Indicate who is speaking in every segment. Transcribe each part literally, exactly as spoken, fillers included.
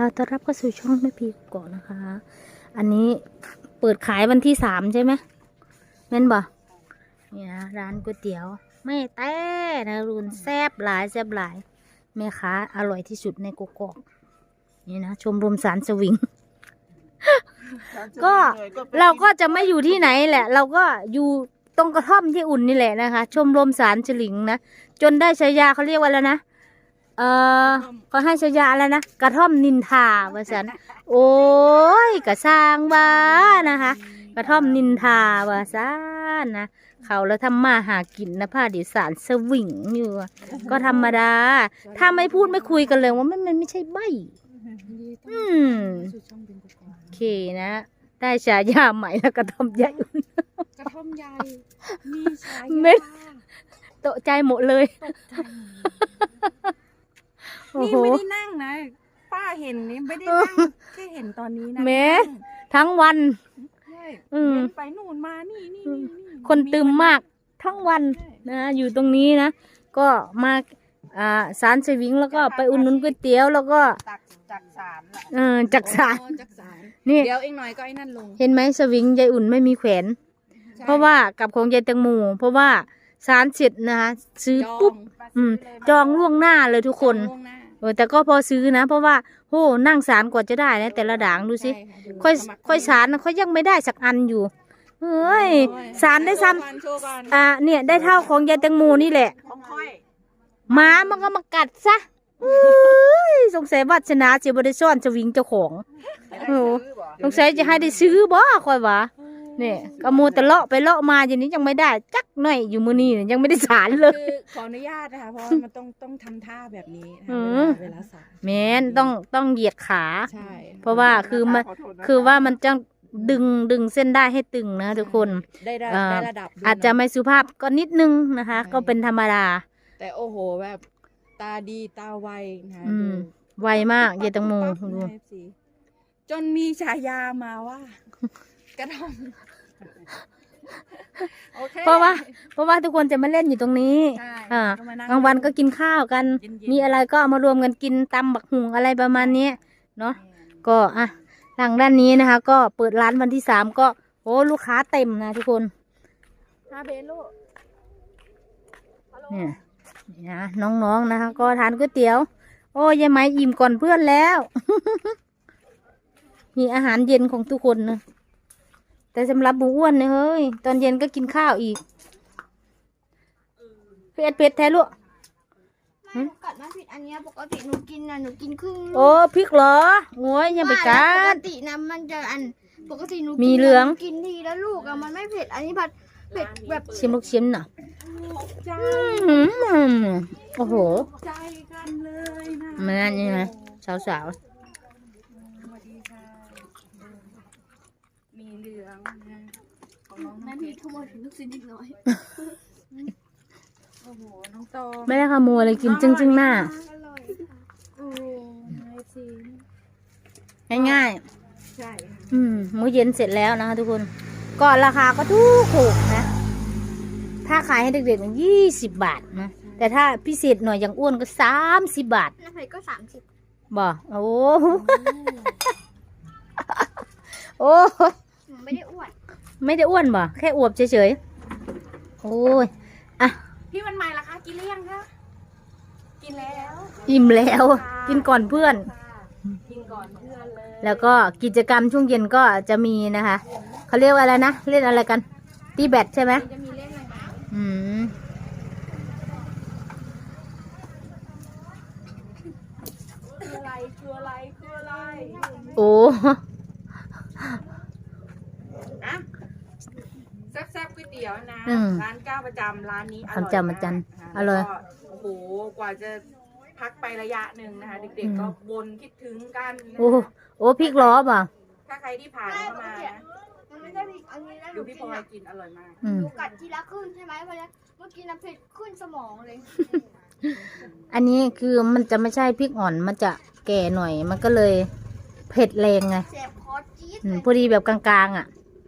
Speaker 1: ต้อนรับเข้าสู่ช่องแม่พีก่อนนะคะ อันนี้เปิดขายวันที่สามใช่ไหมแม่นบ่นี่นะร้านก๋วยเตี๋ยวแม่แต่นะรุนแซ่บหลายแซ่บหลายแม่ค้าอร่อยที่สุดในกกอกนี่นะชมรมสารสวิง ก็เราก็จะไม่อยู่ที่ไหนแหละ เราก็อยู่ตรงกระท่อมที่อุ่นนี่แหละนะคะ ชมรมสารสลิงนะจนได้ฉายาเขาเรียกว่าแล้วนะเออเขาให้ฉายาแล้วนะกระท่อมนินทาว่าสันโอ้ยกระสร้างบ้านะคะ กระท่อมนินทาว่าสันนะเขาแล้วทำมาหากินนะผ้าดิสารสวิงอยู่ก็ธรรมดา ถ้าไม่พูดไม่คุยกันเลยว่ามันมันไม่ใช่ใบอืมโอเคนะได้ฉายาใหม่แล้วกระท่อมใหญ่
Speaker 2: กระท่อมใหญ่มีฉายา
Speaker 1: เม็ดตกใจหมดเลยโอ้
Speaker 2: นี่
Speaker 1: โห
Speaker 2: ไม่ได้นั่งนะป้าเห็นนี่ไม่ได้นั่งแค่เห็นตอนนี้นะ
Speaker 1: เม็ดทั้งวัน
Speaker 2: ใช่
Speaker 1: อืม
Speaker 2: เดินไปนู่นมานี่นี่นี่นี่
Speaker 1: คนตื่มมากทั้งวันนะอยู่ตรงนี้นะก็มาอ่าสารสวิงแล้วก็ไปอุ่นนุนก๋วยเตี๋ยวแล้วก็
Speaker 2: ตักจากสารแหละ
Speaker 1: เออจักสาร
Speaker 2: อ๋อจากสาร
Speaker 1: นี่
Speaker 2: เดี๋ยวอีกหน่อยก็ไอ้นั่นลง
Speaker 1: เห็นไหมสวิงยายอุ่นไม่มีแขวน
Speaker 2: ใช่
Speaker 1: เพราะว่ากับของยายแตงโมเพราะว่าสารเสร็จนะคะซื้อ
Speaker 2: จอง
Speaker 1: ปุ๊บอืมจองล่วงหน้าเลยทุกคน
Speaker 2: จองล่วงหน้า
Speaker 1: เออแต่ก็พอซื้อนะ เพราะว่าโหนั่งสารกว่าจะได้นะแต่ละด่างดูสิ
Speaker 2: ใช่ะดู
Speaker 1: ค่อย
Speaker 2: สมัร
Speaker 1: ค่อยสารนะค่อยยังไม่ได้สักอันอยู่เฮ้ย
Speaker 2: โอ้ย
Speaker 1: สารได้ซ้
Speaker 2: โชว์ก่อนโชว์ก่อน
Speaker 1: ำอ่าเนี่ยได้เท่าของยายแตงโมนี่แหละ
Speaker 2: ของค่อย
Speaker 1: หมามันก็มากัดซะเฮ้ยสงสัยวาสนาจะบริซ่อนจะวิ่งเจ้าของโอ้สงสัยจะให้ได้ซื้อบ่ค่อยวะเนี่ยกระโมแต่เลาะไปเลาะมาอย่างนี้ยังไม่ได้จักหน่อยอยู่มือนี่ยังไม่ได้สารเลย
Speaker 2: คือขออนุญาตนะคะเพราะว่ามันต้องต้องทำท่าแบบนี้นะ
Speaker 1: อื
Speaker 2: คะ
Speaker 1: ม
Speaker 2: เวลาสาร
Speaker 1: แม่นต้องต้องเหยียดขา
Speaker 2: ใช่
Speaker 1: เพราะว่าคือมันคือว่ามันจะดึงดึงเส้นได้ให้ตึงนะทุกคน
Speaker 2: ได้ระ
Speaker 1: เอ่อ
Speaker 2: ได้ระดับด้วย
Speaker 1: อาจจะ
Speaker 2: เน
Speaker 1: ไม่สุภาพก็นิดนึงนะคะ
Speaker 2: ใช่
Speaker 1: ก็เป็นธรรมดา
Speaker 2: แต่โอ้โหแบบตาดีตาไวนะคะ
Speaker 1: อืม
Speaker 2: ดู
Speaker 1: ไวมากยายแตงโม
Speaker 2: ปั๊บปั๊บ
Speaker 1: ดู
Speaker 2: นะ เอฟซี จนมีฉายามาว่า กระท่อมโอเค
Speaker 1: เพราะว่า เพราะว่าทุกคนจะมาเล่นอยู่ตรงนี้
Speaker 2: ใช่
Speaker 1: อ่า
Speaker 2: ก็มานั่ง
Speaker 1: กลางวันก็กินข้าวกัน
Speaker 2: เย็นๆ
Speaker 1: มีอะไรก็เอามารวมกันกินตำบักหุงอะไรประมาณนี้เนาะก็อ่ะทางด้านนี้นะคะ ก็เปิดร้านวันที่สามก็โอ้ลูกค้าเต็มนะทุกคน
Speaker 2: ฮาเบนลูกฮัลโหล
Speaker 1: เนี่ยนี่นะน้องๆนะคะ ก็ทานก๋วยเตี๋ยว โอ้ยายไหมอิ่มก่อนเพื่อนแล้ว มีอาหารเย็นของทุกคนนะแต่สำหรับหมูอ้วนเนี่ยเฮ้ยตอนเย็นก็กินข้าวอีกเผ็ดเผ็ดแท้ลูก
Speaker 3: ไม่หนูกัดมันผิดอันเนี้ยปกติหนูกินนะหนูกินครึ่งลูก
Speaker 1: โอ้พริกเหรอโอ้ยยังไปกั
Speaker 3: ปก
Speaker 1: ด
Speaker 3: ตินะมันจะอันปกติหนู
Speaker 1: มี
Speaker 3: กิน
Speaker 1: เหลือง
Speaker 3: หนูกินทีละลูกอะมันไม่เผ็ดอันนี้ผัดเผ็ดแบบ
Speaker 1: ชิมลูกชิมหน่อย
Speaker 2: ใจ
Speaker 1: อืมโอ้โห
Speaker 2: ใจกันเลยนะ
Speaker 1: เหมือนนี่ไหมสาว
Speaker 2: สวัสดีค่ะมีเหลืองนะของน้อง
Speaker 3: นั่
Speaker 2: น้ำ
Speaker 3: น
Speaker 2: เพ
Speaker 3: มี
Speaker 2: ชร
Speaker 3: ขโมยถึงลูกชิ้นอีกน้อย
Speaker 2: โอ้โหน้องโต
Speaker 1: ๆไม่ได้ขโมยเลยกินจึ้งจึ้งๆหน้า
Speaker 3: อร่อยค่ะ
Speaker 2: โอ้โหไอซี
Speaker 1: ง่าย
Speaker 2: ใช่
Speaker 1: ๆอืมมื้อเย็นเสร็จแล้วนะคะทุกคน ก็ราคาก็ถูกถูกนะ ถ้าขายให้เด็กๆยี่สิบบาทนะ แต่ถ้าพิเศษหน่อยอย่างอ้วนก็สามสิบบาท
Speaker 3: น้ำเผ็ดก็สามสิบ
Speaker 1: บ่โอ้โหโอ้ย
Speaker 3: หนูไม่ได้อ้วน
Speaker 1: ไม่ได้อ้วนบ่แค่อวบเฉยๆ โอ้ย อ่ะ
Speaker 2: พี่วันใหม่ล่ะคะกินหรือยังคะกินแล้ว
Speaker 1: อิ่มแล้ว กินก่อนเพื่อน
Speaker 2: กินก่อนเพื่อนเลย
Speaker 1: แล้วก็กิจกรรมช่วงเย็นก็จะมีนะคะ เขาเรียกว่าอะไรนะ เล่นอะไรกัน ตีแบดใช่ไหม
Speaker 3: จะมีเล่นอะไรบ้าง
Speaker 1: อืม
Speaker 2: คืออะไรคืออะไรคืออะไร
Speaker 1: โอ้
Speaker 2: อะแซ่บๆก๋วยเตี๋ยวนะ
Speaker 1: อืม
Speaker 2: ร้านเจ้าประจำร้านนี้อร่อย
Speaker 1: ร้านเจ้าประจำ
Speaker 2: มก
Speaker 1: อร่อย
Speaker 2: แล้วก็โอ้โหกว่าจะพักไประยะหนึ่งนะคะ เด็กๆก็วนคิดถึงกันนะ
Speaker 1: โอ้ โอ้พริกล้อป่ะ
Speaker 2: ถ้าใครที่ผ่าน
Speaker 3: ไม่
Speaker 2: เข้า
Speaker 3: ปก
Speaker 2: มา
Speaker 3: ติ
Speaker 2: นะ
Speaker 3: มันไม่ได้ผิดอันนี้แล้วห
Speaker 2: ดู
Speaker 3: นู
Speaker 2: พี่
Speaker 3: กิ
Speaker 2: พ
Speaker 3: น
Speaker 2: ลอย
Speaker 3: อะ
Speaker 2: กินอร่อยมาก
Speaker 1: อื
Speaker 3: ห
Speaker 1: ม
Speaker 3: นูกัดทีละครึ่งใช่ไหมเพราะฉะนั้นเมื่อกี้น้ำเผ็ดขึ้นสมองเลย
Speaker 1: อันนี้คือมันจะไม่ใช่พริกอ่อน มันจะแก่หน่อย มันก็เลยเผ็ดแรงไง
Speaker 3: แสบคอจี๊ด
Speaker 1: อื
Speaker 3: เล
Speaker 1: ม
Speaker 3: ย
Speaker 1: พอดีแบบกลางๆอ่ะ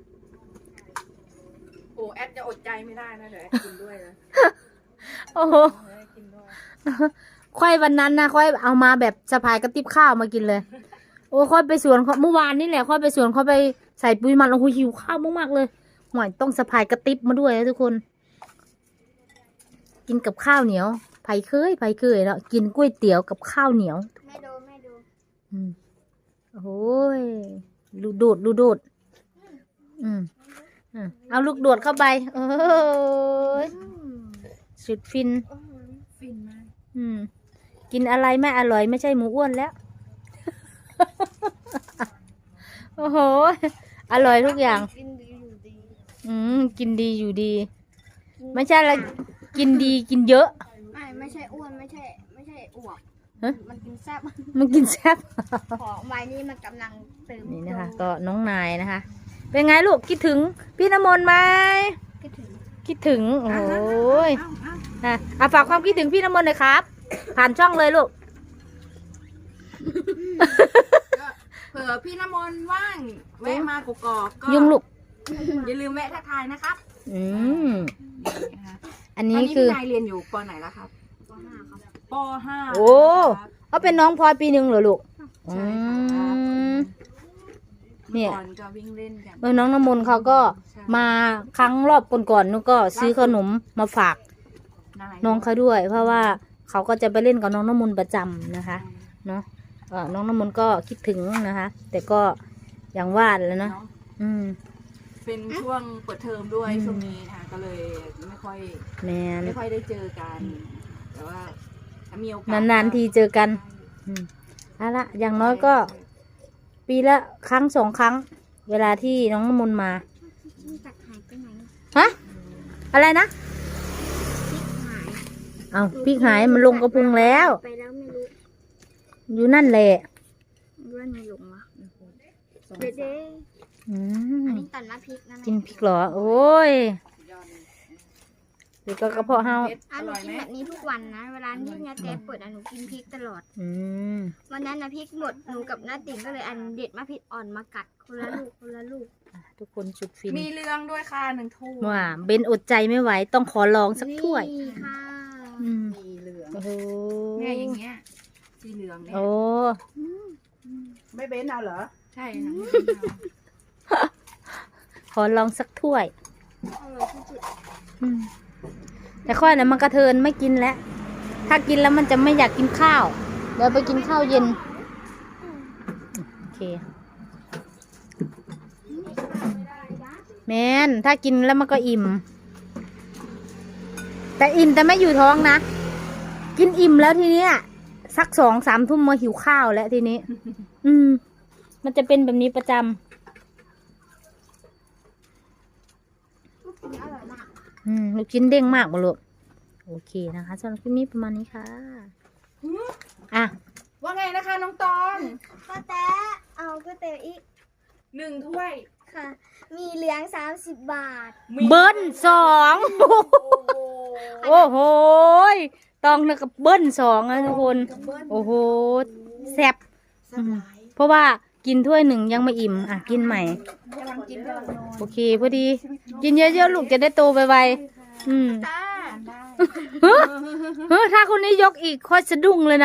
Speaker 2: โอ้แอดจะอดใจไม่ได้นะเดี๋ยวแอดกินด้วยนะ
Speaker 1: โอ้โห
Speaker 2: เดี๋ยวแอดกินด้วย
Speaker 1: ค่อยวันนั้นนะค่อยเอามาแบบสะพายกระติบข้าวมากินเลยโอ้ค่อยไปสวนเขาเมื่อวานนี่แหละค่อยไปสวนเขาไปใส่ปุ๋ยหมันโอ้โหหิวข้าวมากๆเลยหน่อยต้องสะพายกระติบมาด้วยนะทุกคน กินกับข้าวเหนียวไผ่เคยไผ่เคยแล้วกินก๋วยเตี๋ยวกับข้าวเหนียว
Speaker 3: แม่ดูแม่ดู
Speaker 1: อืมโอ้ยลูกโดดลูกโดดอืมอืมเอาลูกโดดเข้าไปเอ้ยสุดฟิน
Speaker 2: ฟินมาก
Speaker 1: อืม กินอะไรไม่อร่อยไม่ใช่หมูอ้วนแล้ว โอ้โห อร่อยทุกอย่าง
Speaker 3: กินดีอยู่ดี
Speaker 1: อืม กินดีอยู่ดี ไม่ใช่ละกินดีกินเยอะ
Speaker 3: ไม่ไม่ใช่อ้วนไม่ใช่ ไม่ใช่อวบ
Speaker 1: ฮะ
Speaker 3: มันกินแซ่บ
Speaker 1: มันกินแซ่บ
Speaker 3: ของใบนี้มันกำลังเติม
Speaker 1: นี่นะคะ ก็น้องนายนะคะ เป็นไงลูกคิดถึงพี่น้ำมนต์ไหม
Speaker 3: คิดถึง
Speaker 1: คิดถึง โอ้ย
Speaker 2: เอ้าเอ้า
Speaker 1: อ่ะอ่ะฝากความคิดถึงพี่น้ำมนต์หน่อยครับ ผ่านช่องเลยลูก
Speaker 2: ก็เผื่อพี่น้ำมนต์ว่างแวะมากกอกๆก็
Speaker 1: ยุ่งลูก
Speaker 2: อย่าลืมแวะทักทายนะครับ
Speaker 1: อืม
Speaker 2: นี่นะคะ
Speaker 1: อัน
Speaker 2: ต
Speaker 1: นี้
Speaker 2: อนนี้
Speaker 1: คือ
Speaker 2: พี่นายเรียนอยู่ปไหนแล้วครับ
Speaker 3: ปห้าครับ
Speaker 2: ปห้า
Speaker 1: โอ้เขาเป็นน้องพลอยปีหนึ่งเหรอลูก อื
Speaker 2: ใช่ครับ
Speaker 1: ม เนี่
Speaker 2: เมื่อย ก่อนก็วิ่งเล่นกัน
Speaker 1: เออน้องน้ำมนต์เขาก็มาครั้งรอบก่อนๆนู้นก็ซื้อขนมมาฝาก
Speaker 2: นาย
Speaker 1: น้องเขาด้วย เพราะว่าเขาก็จะไปเล่นกับน้องน้ำมนต์ประจำนะคะ เนาะเออน้องน้ำมนต์ก็คิดถึงนะคะ แต่ก็อย่างว่าแหล้วนะ
Speaker 2: เนาะ
Speaker 1: อืม
Speaker 2: เป็นช่วงเปิดเทอมด้วย
Speaker 1: อืม
Speaker 2: ช่วงนี้ค่ะก็เลยไม่ค่อย
Speaker 1: แมน
Speaker 2: ไม่ค่อยได้เจอกัน แต่ว่าถ้ามีโอกาส
Speaker 1: นานๆทีเจอกัน อืมเอาละอย่างน้อยก็ปีละครั้งสองครั้ง เวลาที่น้องน้ำมนต์มา
Speaker 3: นี่ตักหายไปไหน
Speaker 1: ฮะ อะไรนะ
Speaker 3: หาย
Speaker 1: เอาพริกหายมันลงกระพุงแล้ว
Speaker 3: ไปแล้วไม่รู้
Speaker 1: อยู่นั่นแหละ
Speaker 3: ว่าไงลงวะเด็ดเด้
Speaker 1: อื
Speaker 3: อั
Speaker 1: ม
Speaker 3: นนี้ตัดมาพริกนะแม่
Speaker 1: กินพริกเหรอ โอ้ยเดี๋ยวก็กระเพาะเฮา
Speaker 2: เผ็ด
Speaker 3: อ่ะ
Speaker 2: อ
Speaker 3: หนู
Speaker 2: ร่อย
Speaker 3: กิ
Speaker 2: ไห
Speaker 3: น
Speaker 2: ม
Speaker 3: แบบนี้ทุกวันนะ เวลาที่นาเต้เปิดอ่ะหนูกินพริกตลอด
Speaker 1: อืม
Speaker 3: วันนั้นนะพริกหมดหนูกับน้าติ๋งก็เลยอันเด็ดมาพริกอ่อนมากัดคนละลูกคนละลูก
Speaker 1: อ่ะทุกคนชุดฟิน
Speaker 2: มีเรื่องด้วยค่ะหนึ่งถ้วย
Speaker 1: ว่าเบนอดใจไม่ไหว ต้องขอลองสักถ้วย
Speaker 3: นี่ค่ะ
Speaker 1: อืม
Speaker 2: มีเหลือง
Speaker 1: โอ้โห
Speaker 2: เนี่ยอย่างเงี้ยสีเหลืองเนี่ย
Speaker 1: โอ้
Speaker 4: ไม่เบ้นเอาเหรอ
Speaker 2: ใช่ค่ะ
Speaker 1: ขอลองสักถ้วย
Speaker 3: อร่อยที่สุด
Speaker 1: อืมแต่ค่อยนะมันกระเทินไม่กินแล้ว ถ้ากินแล้วมันจะไม่อยากกินข้าว เดี๋ยวไปกินข้าวเย็น โอเค แมนถ้ากินแล้วมันก็อิ่ม แต่อิ่มแต่ไม่อยู่ท้องนะ กินอิ่มแล้วทีเนี้ยสักสองสามทุ่มมาหิวข้าวแล้วทีนี้ อืม มันจะเป็นแบบนี้ประจำ
Speaker 3: ลูกชิ้นอร่อยมาก
Speaker 1: อืมลูกชิ้นเด้งมากบ่ลูกโอเคนะคะสำหรับคลิปนี้ประมาณนี้ค่ะ อ่ะ
Speaker 2: ว่าไงนะคะน้องตอง
Speaker 3: ก็แต่เอาก๋วยเตี๋ยวอีก
Speaker 2: หนึ่งถ้วย
Speaker 3: ค่ะ มีเหลืองสามสิบบาท
Speaker 2: มี
Speaker 1: เบิ้ลสอง
Speaker 2: โอ้โห
Speaker 1: โอ้โหยตองนะกับเบิ้ลสองนะทุกคน โอ้โหแซ่บ
Speaker 2: สบาย
Speaker 1: เพราะว่ากินถ้วยหนึ่งยังไม่อิ่ม อ่ะ กินใหม่
Speaker 2: กำลังกินกำลังนอน
Speaker 1: โอเคพอดี กินเยอะๆลูกจะได้โตไวๆอืม
Speaker 2: จ้าได้
Speaker 1: เฮ้ยเฮ้ยถ้าคนนี้ยกอีกค่อยสะดุ้งเลยนะ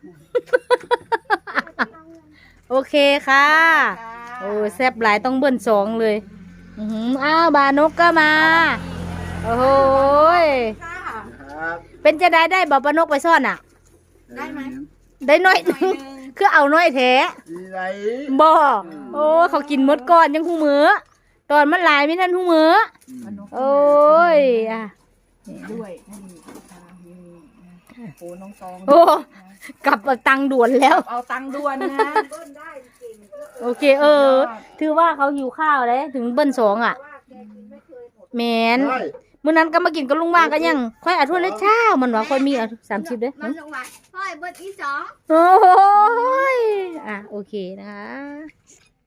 Speaker 1: โอเคค่ะ โอ้แซ่บหลายต้องเบิ้ลสองเลยอือหืออ้าวบานกก็มา โอ้โหย
Speaker 2: ค่ะ
Speaker 4: ครับ
Speaker 1: เป็นจะได้ได้บอกปานกไปซ่อนอ่ะ
Speaker 2: ได้ไหม
Speaker 1: ได้น้อย
Speaker 2: หน่อยหนึง
Speaker 1: คือเอาน้อยแท้
Speaker 4: ดีไร
Speaker 1: บ่โอ้เขากินหมดก่อนยังหูมือตอนมันหลายไม่ทันหูมือโอ้ยอ่ะ
Speaker 2: ด้วยนี่ค่ะนี่นะโอ้น้องตอง
Speaker 1: โอ้กลับเอาตังค์ด่วนแล้ว
Speaker 2: เอาตังค์ด่วนนะ
Speaker 1: โอเค เออ ถือว่าเขาหิวข้าวเลยถึงเบิ้ลสองอ่ะแมน
Speaker 4: ใช่
Speaker 1: มื้อนั้นก็มากินกับลุงว่างกันยัง ค่อยเอาถ้วยละเช้ามันว่าค่อยมีเอาสามสิบเด้อ
Speaker 3: มันลงมาพ่อยเบิร์ดที่สอง
Speaker 1: โอ้ยอ่ะโอเคนะคะ